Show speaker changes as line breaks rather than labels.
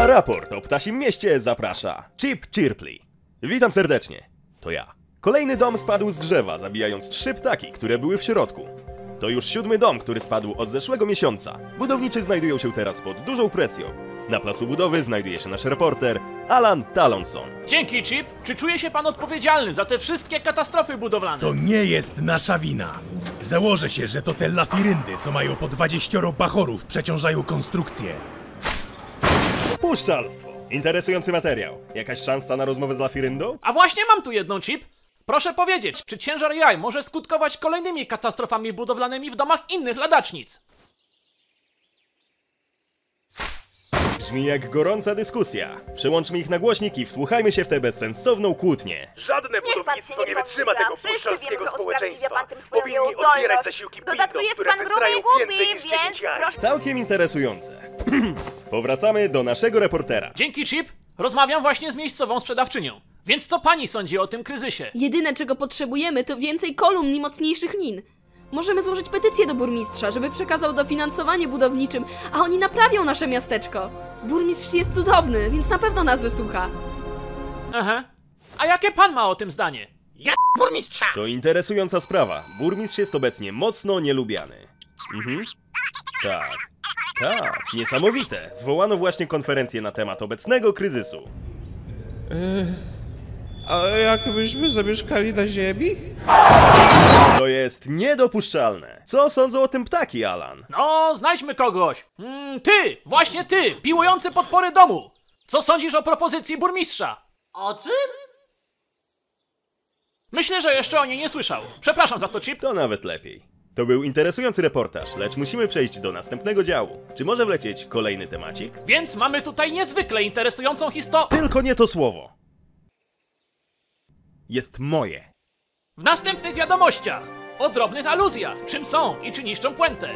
Na raport o ptasim mieście zaprasza Chip Chirpley. Witam serdecznie, to ja. Kolejny dom spadł z drzewa, zabijając 3 ptaki, które były w środku. To już 7. dom, który spadł od zeszłego miesiąca. Budowniczy znajdują się teraz pod dużą presją. Na placu budowy znajduje się nasz reporter Alan Talonson.
Dzięki, Chip. Czy czuje się pan odpowiedzialny za te wszystkie katastrofy budowlane?
To nie jest nasza wina. Założę się, że to te lafiryndy, co mają po 20 bachorów, przeciążają konstrukcję.
Puszczalstwo. Interesujący materiał. Jakaś szansa na rozmowę z lafiryndą?
A właśnie mam tu jedną, Chip. Proszę powiedzieć, czy ciężar jaj może skutkować kolejnymi katastrofami budowlanymi w domach innych ladacznic?
Brzmi jak gorąca dyskusja. Przełączmy ich na głośniki i wsłuchajmy się w tę bezsensowną kłótnię.
Żadne budownictwo nie wytrzyma tego puszczalskiego społeczeństwa. Powinni odbierać zasiłki pindom, które wystrają więcej niż 10 jaj.
Całkiem interesujące. Powracamy do naszego reportera.
Dzięki, Chip. Rozmawiam właśnie z miejscową sprzedawczynią. Więc co pani sądzi o tym kryzysie?
Jedyne, czego potrzebujemy, to więcej kolumn i mocniejszych lin. Możemy złożyć petycję do burmistrza, żeby przekazał dofinansowanie budowniczym, a oni naprawią nasze miasteczko. Burmistrz jest cudowny, więc na pewno nas wysłucha.
Aha. A jakie pan ma o tym zdanie?
Burmistrza!
To interesująca sprawa. Burmistrz jest obecnie mocno nielubiany. Tak, niesamowite. Zwołano właśnie konferencję na temat obecnego kryzysu.
A jakbyśmy zamieszkali na ziemi?
To jest niedopuszczalne. Co sądzą o tym ptaki, Alan?
No, znajdźmy kogoś. Ty! Właśnie ty! Piłujący podpory domu! Co sądzisz o propozycji burmistrza?
O czym?
Myślę, że jeszcze o niej nie słyszał. Przepraszam za to, Chip.
To nawet lepiej. To był interesujący reportaż, lecz musimy przejść do następnego działu. Czy może wlecieć kolejny temacik?
Więc mamy tutaj niezwykle interesującą historię.
Tylko nie to słowo. Jest moje.
W następnych wiadomościach o drobnych aluzjach, czym są i czy niszczą puentę.